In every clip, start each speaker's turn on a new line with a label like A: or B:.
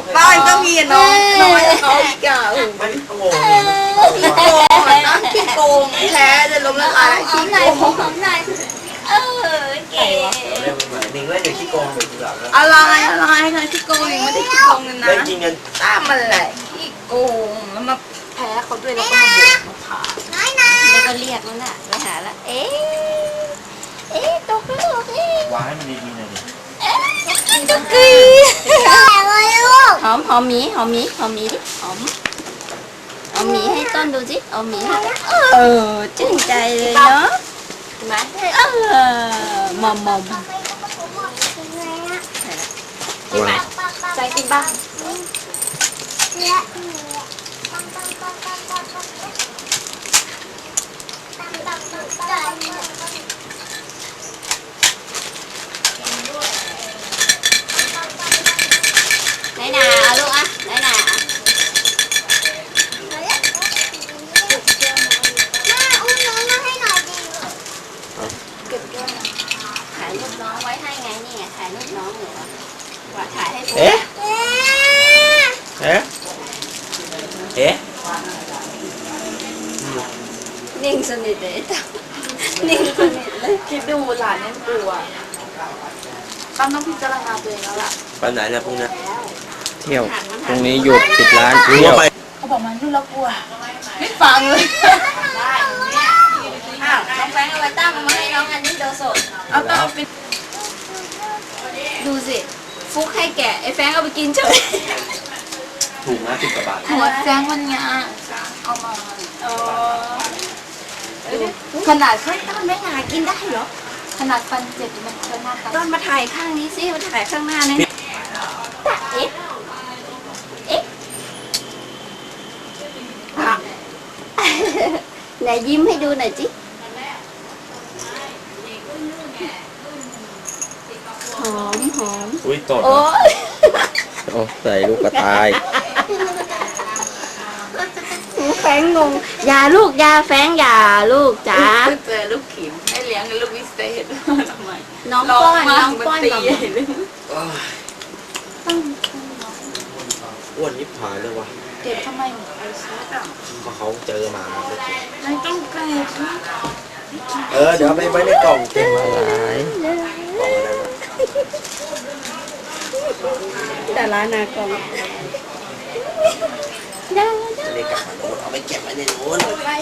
A: บ้านก็มีน้องน้อยเขาอีกอย่าง
B: มันโง่
A: ขี้โกงนะขี้โกงแท้จะล้มละลายขี้โกง
C: ของนายเก๋
B: เรื่องเหมือนนิ่งเล่นอยู่ขี้โกงเป็นแบบ
A: อะไรนะขี้โกงยังไม่ได้ขี้โกงเลยนะ
B: เล่นกินกัน
A: ตามมันแหละขี้โกงแล้วมาแพ้เขาด้วยแล้วก็มาบ่นมาถาม
C: แล้วก็เรียกนั่นน่ะไปหาแล้วตกลูก
B: วางให้มันดีๆหน่อยดิ
C: ตกกีหอมหมีดิหอมหมีให้ต้นดูสิหอมหมีให้ชื่นใจเลยเนาะมอมกินไหมใจกินบ้างไหนนาเอาลูกอ่ะไหนนาถ่ายรูปน้องไว้ให้ไงนี่ไงถ่ายรูปน้องอยู่ว่าถ่ายให้ผมนิ่งสนิทเลยนิ่งสนิทเลย
A: คิดดูหลานเนี่ยกลัวต้องพิจารณาตัวเองแล้วล่ะ
B: ไปไหนนะพวกนี้
D: เที่ยวตรงนี้หยุดปิดร้านเที่ยว
A: เขาบอกมันยุ่งแล้วกลัวไม่ฟังเลยได้
C: อ้าวน้องแฟงเอาไว้ตั้งมาให้น้องอันนี้โดสด
A: เอาต้องไป
C: ดูสิฟุกให้แกะไอ้แฟงเอาไปกินเฉย
B: ถูกนะ10 กว่าบาท
A: หัวแจ้งวันงาเอามาขนาดแค่ต้นไม่งากินได้เหรอขนาดฟันเจ็บมันก็น่าตา
C: ต้นมาถ่ายข้างนี้สิมาถ่ายข้างหน้านี่เอ๊ะไหนยิ้มให้ดูหน่อยจิหอม
B: อุ้ยตด
C: โอ้
D: โอ้ใส่ลูกกระต่าย
C: แฟงงงอย่าลูกอย่าแฟงอย่าลูกจ๋า
A: เจอลูกขิมให้เลี้ยงลูกวิเศษทำไม
C: น้องป้อน
A: ตี
C: ก่อน
B: อ้วนยิบหายเลยวะ
A: เก็บทำไมไอ้ชุดอ่ะ
B: เพราะเขาเจอมา
A: ไม่ต้องเก็บ
B: เดี๋ยวเอาไปไว้ในกล่องเก็บมา
D: หลาย
B: กล่องอะไรวะ
C: แต่ร้านนากอง
B: จะได้กลับมาโน้ตเอาไปเก็บไว้ในโน้ต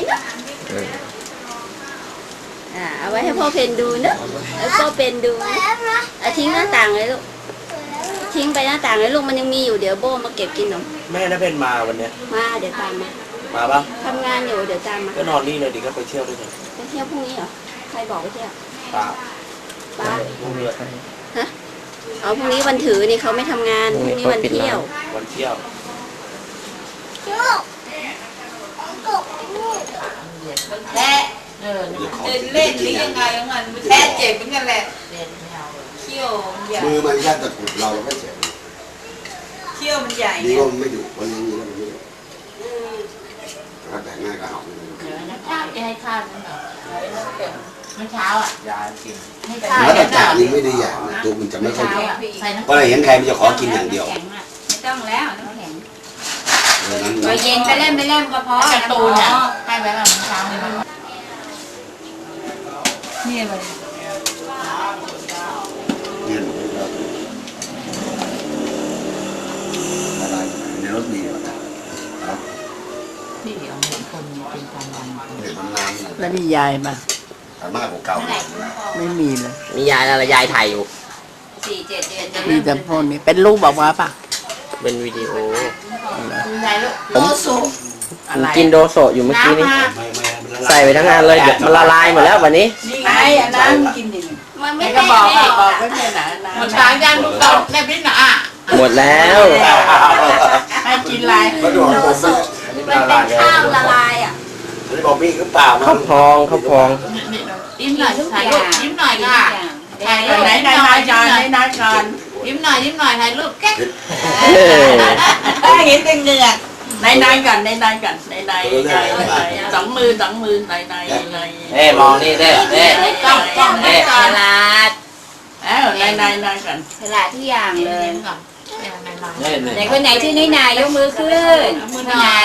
C: เอาไว้ให้พ่อเพนดูเนอะแล้วพ่อเพนดูทิ้งหน้าต่างเลยลูกทิ้งไปหน้าต่างเลยลูกมันยังมีอยู่เดี๋ยวโบมาเก็บกินหนม
B: แม่น่าเป็นมาวันเนี้ย
C: มาเดี๋ยวตามมา
B: มาปะ
C: ทำงานอยู่เดี๋ยวตามมา
B: ก็นอนนี่เลยดิก็ไปเที่ยวด้วยกัน
C: ไปเที่ยวพรุ่งนี้เหรอใครบอกไปเที่ยว
B: ป้า
C: ป้า
B: พรุ่งนี้
C: ฮะเอาพรุ่งนี้วันถือนี่เขาไม่ทำงานพรุ่งนี้วันเที่ยว
B: วันเที่ยว
A: แท้เล่นหรือยังไงมันแท้เจ็บเหมือนกันแหละเขี้ยวใหญ่
E: มือมันแค่ตะกุดเราก็เจ็บ
A: เขี้ยวมันใหญ่
E: ดีว่ามันไม่ดุวันนี้แล้วมันไม่ดุถ้าแต่ง่ายก็เอา
A: ข้าวจะให้ข้าวมันเมื่อเช้าอ่ะ
B: ยากิน
A: ให้ข้าว
E: แล้วแต่จ่านี่ไม่ได้อย่างนะตัวมันจะไม่ค่อยดุเพราะอะไรเห็นใครมันจะขอกินอย่างเดียว
A: ไม่ต้องแล้วน้ำแข็ง
E: นั้น
A: ตัวเย็นไปเล่นก็พอการ์ตูนอ่ะให้ไว้แบบเช้าเลยนี่เลย
E: เนี่ยอะไรในรถมีครับ
A: พี่เดี๋ยวเห็นคนเป็นความดัน
E: เห็นมันนาน
F: แล้วมียายมา
E: แต่มากกว่าเก่า
F: ไม่มีเลย
D: มียายอะไรยายถ่ายอยู่
A: 4-7 เดือนจะ
F: มีแต่พวกนี้เป็นลูกบอกว่าปะ
D: เป็นวิดีโอ
A: ใช่ลูก
D: ผมกินโดโซะอยู่เมื่อกี้นี้
E: ไม่
D: ใส่ไปทั้งงานเลยเดี๋ยวมันละลายหมดแล้ววันนี้
A: นี่ไงอันนั้นกินดิ
C: มันไม่
A: ก็
C: ได้
A: บอกไม่เป็นหนาหมดทางยันลูกเราแม่พี่หนา
D: หมดแล้ว
A: ให้กินอะไร
E: มาดู
C: โดโซะมันเป็นข้าวละลายอ่ะ
E: นี่บอกมีหรือเปล่า
D: ข้าวพองข้าวพอง
A: ยิ้มหน่อยถ่ายรูปยิ้มหน่อยค่ะถ่ายรูปไหนนายจอนนายจอนยิ้มหน่อยถ่ายรูปแก๊กเห็นแต่เหงือกนายก่อนนายก่อนนายสองมือนาย
D: มองนี่เด้
A: กล้องนายก่อน
C: ฉลาด
A: นายก่อน
C: ฉลาดทุกอย่างเลย
A: ก่อน
C: ไหนคนไหนชื่อน้อยนายยกมือขึ้นไหน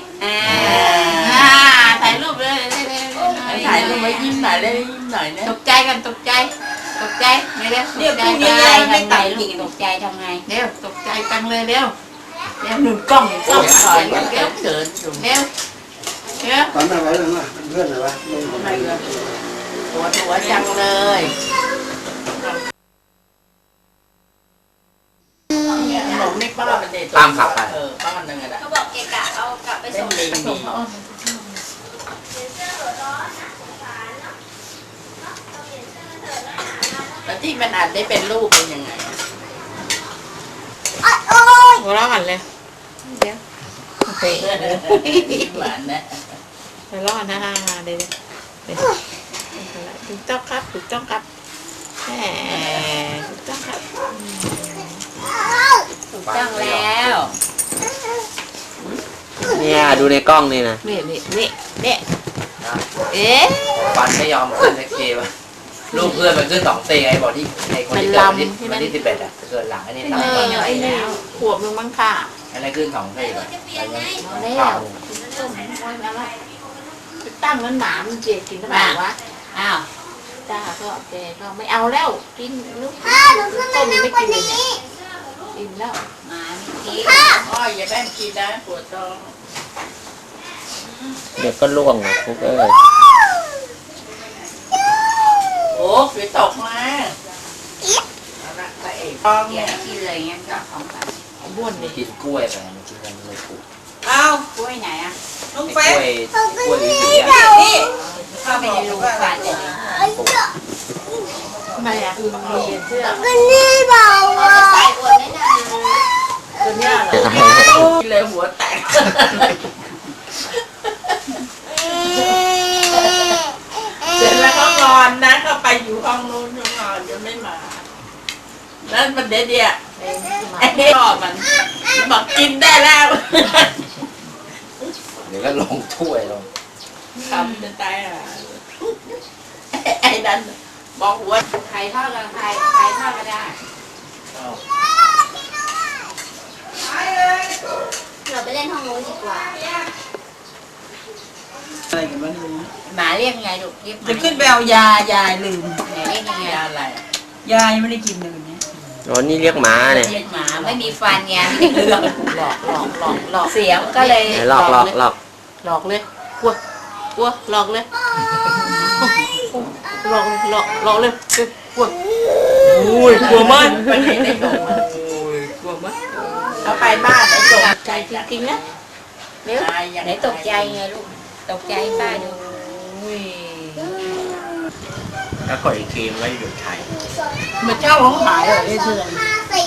A: ถ่ายรูปเลยถ่ายรูปไว้ยิ้มหน่อยเลยยิ้มหน่อยนะตกใจกันตกใจไม่ได้เรียกพวกนี้ไม่ตัดอีกตกใจทำไงเร็วตกใจจังเลยเร็วหนุนกล้องถอยเร็วเร็ว
E: ตอนนั้นไว้เลยว่าเพื่อนเลยวะไม่คนไหนเลย
A: ตัวจังเลยขนมนี่ป้าเป็นเด็ก
B: ตามขับไป
A: ป้ามันยังไงล่ะ
C: เขาบอกเกะกะเอากลับไปส่ง
A: แล้วที่มันอาจได้เป็นรูปเป็นยังไงหัวเราะกันเลยเดี๋ยวหวานนะหัวเราะนะเดี๋ยวถูกต้องครับถูกต้องครับแหมถูกต้องครับ
C: ถูกต้องแล้ว
D: เนี่ยดูในกล้องนี่นะ
A: นี่เอ๊ะ
B: ฟันไม่ยอมขึ้นสักทีวะลูกเพื่อนมันขึ้น2 ตีไอ้บอกที่ไอ้คนที่เกิดวันที่11อ่ะเกิดหลังอันนี้ตามไป
A: ไอ้นี่ขวบนึงมั้งค่ะ
B: อะไรขึ้น2 ตีแบบ
A: ตั้งมันหมามันเจ็บกินทำไมวะอ้าวจ้าก็แกก็ไม่เอาแล้วกินลูกต้มไม่กินเลยเนี่ยกินแล้ว
C: มาไม่กิน
A: อ้อยอย่าแบ่งกินนะปวดท้อง
D: เดี๋ยวก็ล่วงอ่ะพวกเอ้ย
A: โอ้ฝนตกมาเอาละไปเองท้อง
C: เดี๋
A: เนี่ย
C: วยที่เลยเงี้ยก็ของกัน
A: บ้วนดิ
B: กินกล้วยไปมันกินกันเลยปลูก
A: เอา
C: กล้วยไหนอ่ะ
A: ลุง
B: ไอ้
A: เฟ
B: ก
A: ส
B: ล้วยสีอ่ะ
A: นี่
C: เข้าไปในรูฟันเลย
A: ทำไมอ่ะมีเสื้อ
C: ใส่อวดได้นะ
A: ตัวเนี้ยเหรอกินเลยหัวแตกเสร็จแล้วก็นอนนะก็ไปอยู่ห้องนู้นนอนยังไม่มาแล้วมันเด็ดเนี่ยไอ้พ่อมันบอกกินได้แล้ว
B: เดี๋ยวก็ลงถ้วยลง
A: ทำจะตายอ่ะไอ้นั่นบอกหัว
C: ใครทอดกับใครทอดก็ได้เราไปเล่นห้องนู้นดีกว่า
A: อะไรกันบ้าง
C: หมาเรียกไงลูกเรียก
A: จะขึ้นไปเอายายลืม
C: ไหนเรียกยังไง
A: ยาอะไรยายังไม่ได้กินเลยวันนี้
D: อ๋อนี่เรียกหมาเนี่ย
C: เรียกหมาไม่มีฟันไงหลอกเสียงก็เลย
D: ไหนหลอก
A: หลอกเลยกลัวหลอกเลยหลอกเลยกลัวอุ้ยกลัวมั้ยไปไหนได้โดนกลัวมั้ยเขาไปบ้านไอ้โดนใจจริงๆนะ
C: เร็วไหนตกใจไงลูกตกใจป้าดู
B: แล้วกดอีกทีมันก็หยุดถ่าย
A: มันเจ้าของขายเหรอไอ้เถื่อน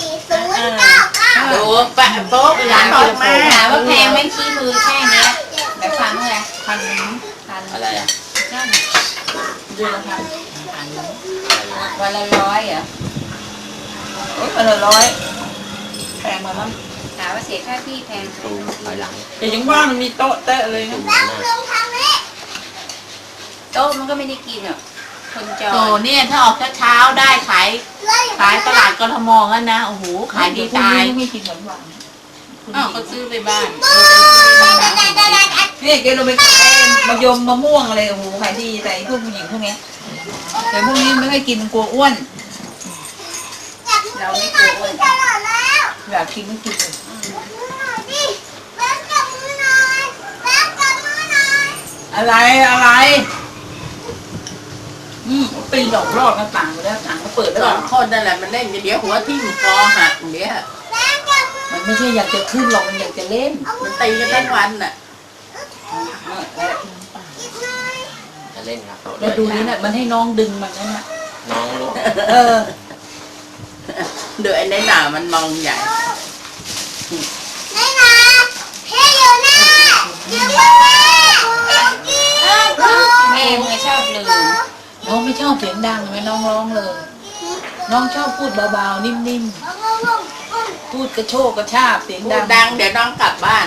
A: ดูแปะโป๊ะหลานออกมา
C: ถามว่าแพงไหมขี้มือแค่เนี้ยแบบฟังเท่าไหร่
A: พัน
B: อะไรอ่ะ
A: เดือนละพัน
C: วันละ100เหรอ
A: โอ้ยพันละ100แพงมามั้ง
C: ถามว่าเสียค่าที่แพง
D: ตูถอยหลัง
A: แต่ยังว่ามันมีโต๊ะเตะเลยนะ
C: โต๊ะมันก็ไม่ได้กินอ่ะคนจอ
A: โตเนี่ยถ้าออกเช้าๆได้ขายตลาดกทมงั้นนะโอ้โหขายดีตายไม่กินหวานอ้าวก็ซื้อไปบ้านนี่แกลงไปขายมะยมมะม่วงอะไรโอ้โหขายดีแต่พวกผู้หญิงพวกนี้แต่พวกนี้ไม่ค่อยกินกลัวอ้วน
C: เราไม่กลัวอ้วน
A: อยากกินไม่กินเลยอะไรปีนออกรอดหน้าต่างไปแล้วต่างก็เปิดแล้วคนนั่นแหละมันเล่นเดี๋ยวหัวทิ่มคอหักเดี๋ยวมันไม่ใช่อยากจะขึ้นหรอกมันอยากจะเล่นมันตีกันทั้งวันน่ะ
D: จะเล่นครับ
A: แล้วดูนี่น่ะมันให้น้องดึงมันนั่นน่ะ
D: น้องลูก
A: เดี๋ยวไอ้ในหนามันมองใหญ่
C: แม่มึงชอบลืม
A: น้องไม่ชอบเสียงดังไหมน้องร้องเลย น้องชอบพูดเบาๆนิ่มๆพูดกระโชกกระชากเสียงดังเดี๋ยวน้องกลับบ้าน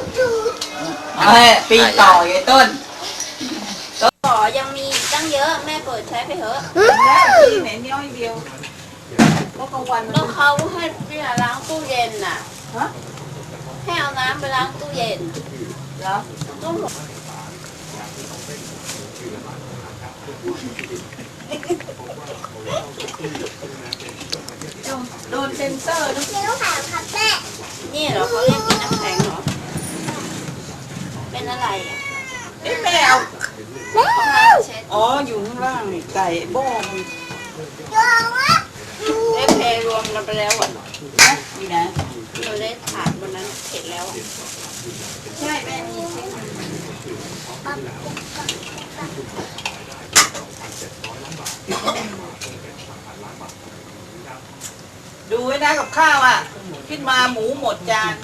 A: ปีต่อไอ้ต้น
C: ต่อยังมีตั้งเยอะแม่เปิดใช้ไปเถอะ
A: แล้วที่ไหนน้อยเดียว
C: ก็
A: ก็กลางวัน
C: ก็เขาให้พี่ล้างตู้เย็นน่ะให้เอาน้ำไปล้างตู้เย็น
A: แล้ว
C: ก็หมด
A: โดนเซ็นเซอร์นะ
C: นี่เหรอเขาเรียกกินน้ำแข็งเหรอเป็นอะไรอ่ะ
A: แม่เอา
C: เขามาเช็ด
A: อ๋ออยู่ข้างล่างนี่ไก่โบ้ง
C: ได้เพรวมกันไปแล้วอ่ะ
A: นี่นะ
C: เราได้ถาดวันนั้นเสร็จแล้วอะ
A: ใช่แม่มีเช็คดูไว้นะกับข้าวอ่ะขึ้นมาหมูหมดจาน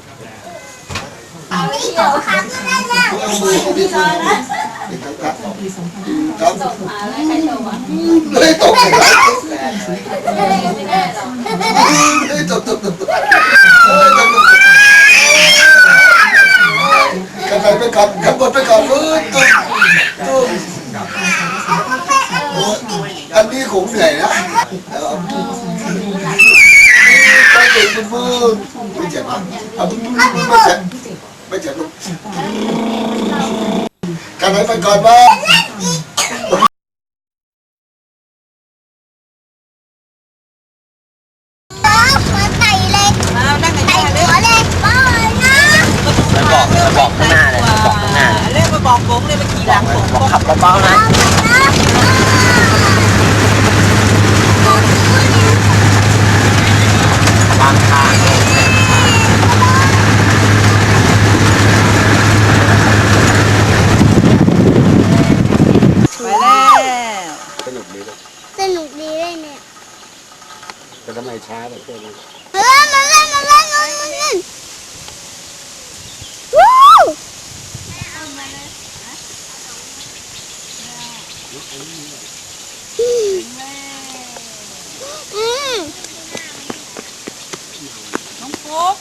C: เอาเที่ยวค่ะพี่รอนะครับ ส่งมาแล้วใครส่งอ่ะ
E: เลยตกเลย
C: ไม่ได้หรอก
E: เลยตกกันไปก่อนกันบนไปก่อนเลยตุ้มอันนี้คงเหนื่อยนะก็เด็กมือไม่เจ็บอ่ะไม่เจ็บลูกกันไปก่อนมา
B: บอกข้างหน้าเลยบอกข้างหน้า
A: เรียกมาบอกผมเลยมาขี่หลังผม
B: บอกขับเบาๆนะบางทาง
A: ไปแล้ว
E: สนุกดีลูก
G: สนุกดีเลยเนี่ย
E: แต่ทำไมช้าแบบนี้
G: มาเล่นวู้อืม
A: น้องฟุ๊ก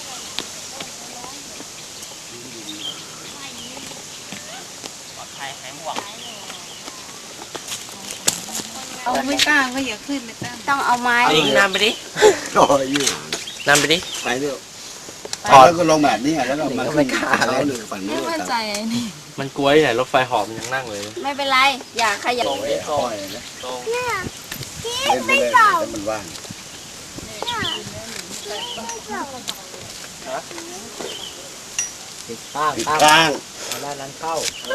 A: เอาไม่กล้าก็อย่าขึ้นไม่ตั้ง
C: ต้องเอาไม้
B: ยิงน้ำไปดิ
E: โอ้ยยืด
B: น้ำไปดิ
E: ไปเรื่อยแล้วก็ลงแบบนี้แล้วก็มาขึ้นเขาหนึ่งฝั่งนู้น
D: มันกลัวที่ไหนรถไฟหอมมันยังนั่งเลย
C: ไม่เป็นไรอย่าขยับ
E: ปล่อยนะ
G: พี่
E: เล่นไป
G: ไม่
E: เลย
G: เป่า
E: แต่มันว่าง
B: ติดข้าง
E: ปิด
B: ข้าง
E: ข้าง
B: เอาด้านนั้นเข้า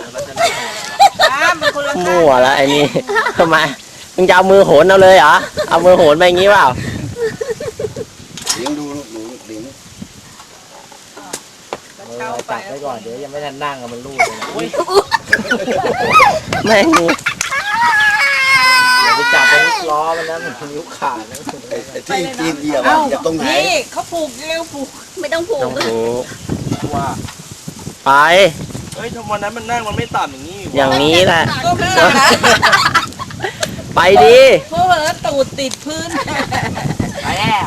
A: มันคนละข้าง
D: มั่วแล้วไอ้นี่ ทำไม มึงจะเอามือโหนเอาเลยเหรอ เอามือโหนไปอย่างงี้เปล่า
E: เลี้ยงดูลูกหนูเลี้ยง
B: จับไว้ก่อนเดี๋ยวยังไม่ทันนั่งมันลูดเลยนะ
D: แม่ง
B: อย่าไปจับไปล้อมันนะมันนิ้วขาดนะ
E: ที่ตีนเหยียบอย่าตรงไหน
A: นี่เขาผูกเร็วผูก
C: ไม่ต้องผูก
D: ต้องถูก
B: ว่า
D: ไป
H: เฮ้ยทำไมนั้นมันนั่งมันไม่ต่ำอย่างนี้
D: อย่างนี้แหละ
A: ก็เพื่อนนะ
D: ไปดิ
A: เพราะว่าตูดติดพื้น
B: ไปแล้ว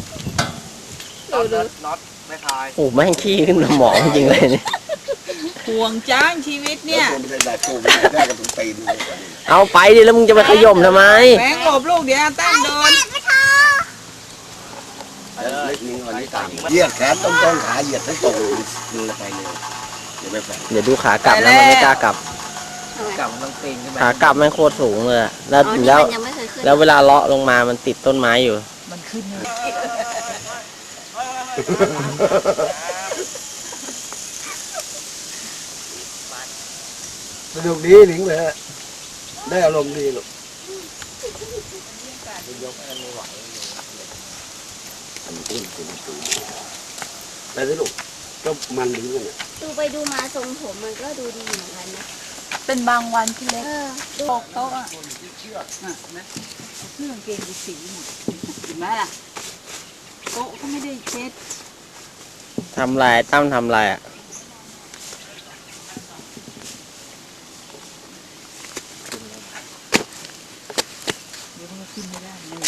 H: น็อตไม่คลาย
D: โอ้แม่งขี้ขึ้นสมองจริงเลยเนี่ย
A: ห่วงจ้างชีวิตเนี่ย
E: ไม่ได้แบบตูมได้กับตรงตีน
D: เอาไปดิแล้วมึงจะไปขย่มทำไม
A: แบงค์หลบลูกเดี๋ยวอาตั้นโดน
E: เล็กนิ้วอันนี้ต่างเหยียดแขนต้องขาเหยียดทั้งตรงมือไปเลยอย่าไปแฝง
D: เดี๋ยวดูขากลับนะมันไม่กล้ากลับ
B: กลับมันต้องปีนขึ้นไป
D: ขากลับแม่งโคตรสูงเลยอะแล้ว
C: อ๋อนี่
D: แล้ว
C: มันยังไม่เคยขึ้น
D: แล้วเวลาเลาะลงมามันติดต้นไม้อยู่
A: มันขึ้นเลย
E: สนุกดีหนิงเลยได้อารมณ์ดีลูกไปสิลูกก็มันดีเลย
C: ดูไปดูมาทรงผมมันก็ดูดีเหมือนกันนะ
A: เป็นบางวันที่เล็ก
C: ดู
A: ตกโต๊ะอ่ะนะเครื่องเกงดูสีหมดเห็นไหมล่ะโต๊ะก็ไม่ได้เช็ด
D: ทำลายตั้มทำลายอ่ะ
A: เดี๋ยวมันขึ้นไม่ได้เลย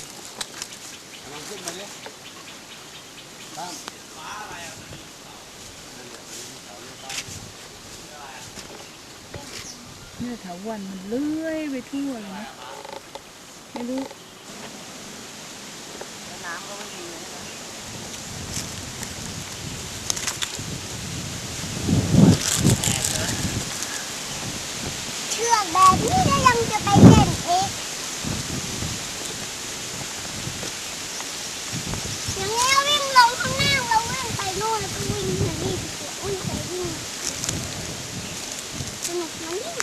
A: เนี่ยถาวันมันเลื้อยไปทั่วเลยนะไม่รู้
G: เลือกแบบนี้แล้วยังจะไปเล่นอีกอย่างนี้วิ่งลงข้างหน้าเราวิ่งไปโน่นแล้วก็วิ่งมานี่วิ่งไปวิ่งสนุกนะนี่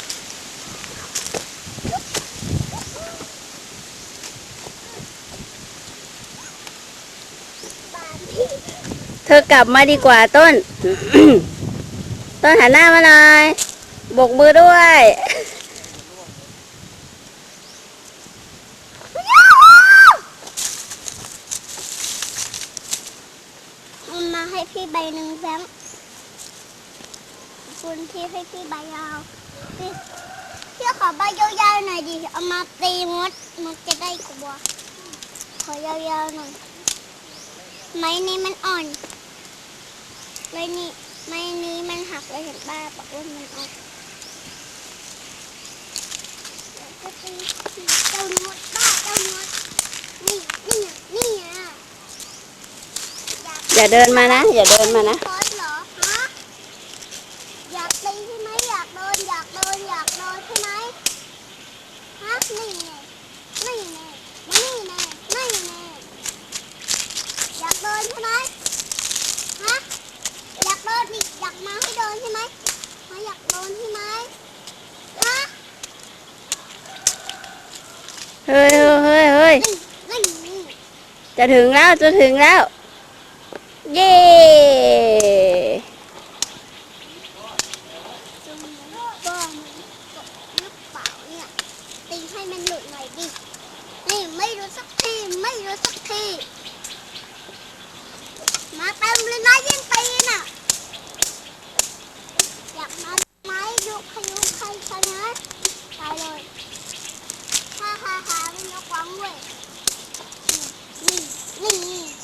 C: เธอกลับมาดีกว่าต้น ต้นหันหน้ามาหน่อยบกมือด้วย
G: เอามาให้พี่ใบหนึ่งแบงค์คุณที่ให้พี่ใบยาวพี่ขอใบยาวๆหน่อยดิเอามาตีมดจะได้กลัวขอยาวๆหน่อยไม้นี้มันอ่อนไม้นี้มันหักเลยเห็นป้าบอกว่ามันอ่อนแล้วก็ตีเจ้ามดป้าเจ้ามดนี่อ่ะ
C: อย่าเดินมานะ อย่าเดินมานะ
G: คอสเหรอฮะอยากตีใช่ไหมอยากโดนใช่ไหมฮะนี่แน่อยากโดนใช่ไหมฮะอยากโดนดิอยากมาให้โดนใช่ไหมฮะอยากโดนใช่ไหมฮะ
C: เฮ้ย
G: นี่
C: จะถึงแล้ว เย้
G: จงก็มันกดหรือเปล่าเนี่ยตีให้มันหลุดหน่อยดินี่ไม่รู้สักทีมาเต็มเลยนะยิ่งตีน่ะอยากมาไหมยุใครชนะตายเลยฮ่าไม่ยกหวังเว้ยนี่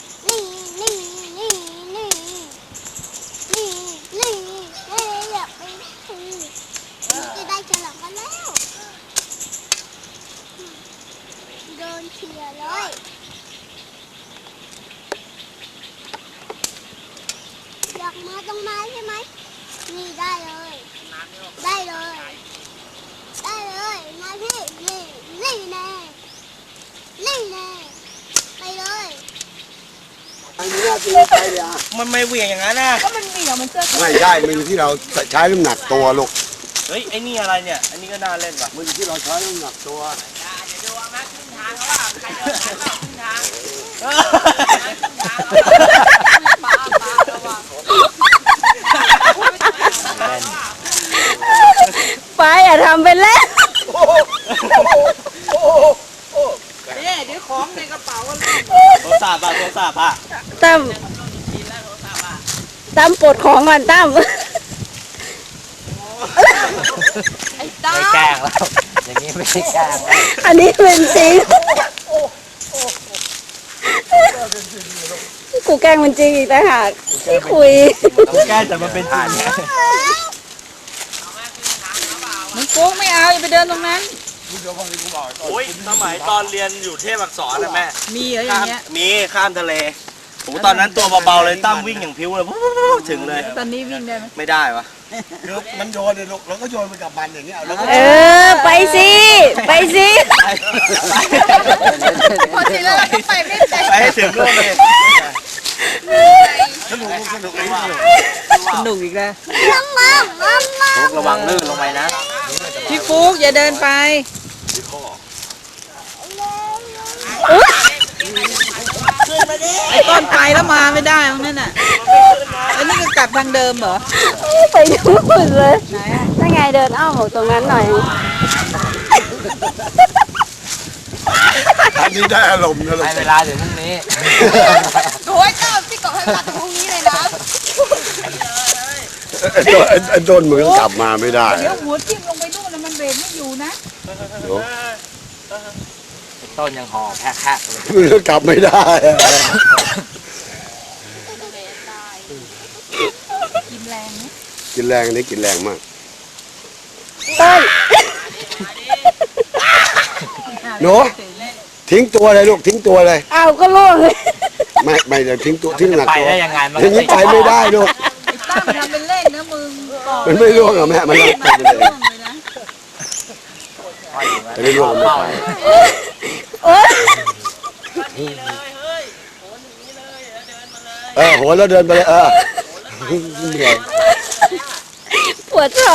G: อยากไปทีจะได้ฉลองกันแล้วโดนเชียร์เลยอยากมาตรงไม้ใช่ไหมนี่ได้เลยมาพี่นี่แน่ไปเลย
E: อันนี้น่าจะไปเลยอ่ะ
H: มันไม่เหวี่ยงอย่างนั้นนะ
E: ไม่ได้มันอยู่ที่เราใช้น้ำหนักตัวลูก
H: เฮ้ยไอ้นี่อะไรเนี่ยอันนี้ก็น่าเล่นว่ะ
E: มันอยู่ที่เราใช้น้ำหนักตัว
C: ไปอย่าทำเป็นเล่น
H: โทรศัพท์อ่ะ
C: ตั้มปลดของก่อนตั้ม
B: ไม่แกล้งแล้ว อย่างนี้ไม่ใช่แกล้งแล้ว
C: อันนี้เป็นจริง กูแกล้งมันจริงอีกต่างหากที่คุย
H: ต้องแกล้งแต่มันเป็นจริง
A: มันโค้งไม่เอาอย่าไปเดินตรงนั้น
H: โอ้ยสมัยตอนเรียนอยู่เทพอักษรนะแม่
A: มีเหรออย่างเงี้ย
H: มีข้ามทะเลโอ้ตอนนั้นตัวเบาๆเลยตั้มวิ่งอย่างพิ้วเลยถึงเลย
A: ตอนนี้วิ่งได้ไหม
H: ไม่ได้วะ
E: คือมันโยนเลยลูกเราก็โยนไปกับมันอย่างเงี้ยแล้วก็
C: ไปสิ
A: พอทีแล้วเราก็ไปไม่ได้
H: ไปให้ถึงนู่นเลย
E: สนุก
A: สนุกอีกแล้ว
B: ระวังลื่นลงไปนะ
A: พี่ฟุกอย่าเดินไปไอ้ต้นไปแล้วมาไม่ได้ตรงนั้นน่ะแล้วนี่ก็กลับทางเดิมเหรอ
C: ไปดูเลยถ้าไงเดินอ้อมออกตรงนั้นหน่อย
E: อันนี้ได้อารมณ์นะลูก
B: ให้เวลาถึงพรุ่งนี้
A: โอ้ยเจ้าพี่กบให้มาถึงพรุ่งนี้เลยนะ
E: ไอ้ต้นมือก็กลับมาไม่ได้
A: เดี๋ยวหัวจิ้มลงไปนู่นแล้วมันเบรกไม่อยู่นะ
B: ต้นยังห่อแพะๆเลย
E: มือก็กลับไม่ได้อะ
A: กินแรงนะ
E: กินแรงนี่กินแรงมาก
C: ต้น
E: หนูทิ้งตัวเลยลูกทิ้งตัวเลย
C: เอาก็ล่วงเลย
E: ไม่เดี๋ยวทิ้งตัวทิ้งหนัก
B: ไป
E: ตัว
B: ได้ยังไงมัน
E: อย่างนี้ไปไม่ได้ลูก
A: ไอ้ตั้มทำเป็นเล่นนะมึง
E: มันไม่ร่วงหรอแม่มันรับไปเลย
A: ร่วงเลยนะ
E: อันนี้ร่วงไม่ไป
C: โอ๊ย
E: โหนแล้วเดินไปเลยเหนื่อย
C: ปวดท้อง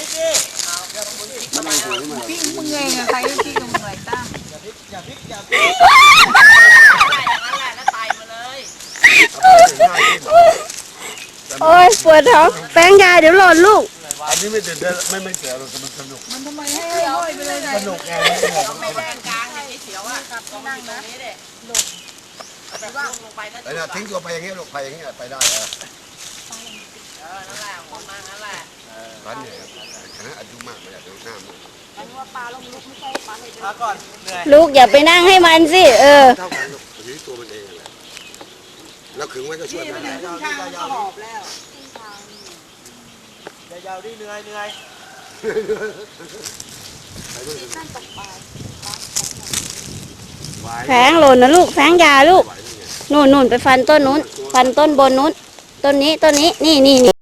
A: ปิ้งมึงไงอะใครก็ปิ้งมึงเลยตั้ง
C: โอ๊ยปวดท้องแป้งยาเดี๋ยวหล่นลูก
E: อันนี้ไม่ตื่นเต้นไม่เสียหรอกมันสนุก
A: มันทำไมให้ห้อยไปเลยนะ
E: สนุกไง
A: ไม่แดงกลางไอ้เสียวอ่ะลองนั่งนะไปว่างลงไปก็
E: ไอ้น่ะทิ้งตัวไปอย่างเงี้ยลูกไปอย่างเงี้ยไปได้
A: นั่นแหละคนมานั่นแหละ
E: ร้านเนี่ยคณะอายุมากเลยดูหน้ามึง
H: พักก่อนเหนื่อย
C: ลูกอย่าไปนั่งให้มันสิ
E: เท่ากันลูกอยู่ที่ตัวมันเองแหละแล้วขึงไว้ก็ช่วยได้
A: ข้างมันก็หอบแล้ว
H: ยาวๆดิเหนื่อยเหนื่อย
C: แฟงหล่นนะลูกแฟงยาลูกนู่นไปฟันต้นนู้นฟันต้นบนนู้นต้นนี้นี่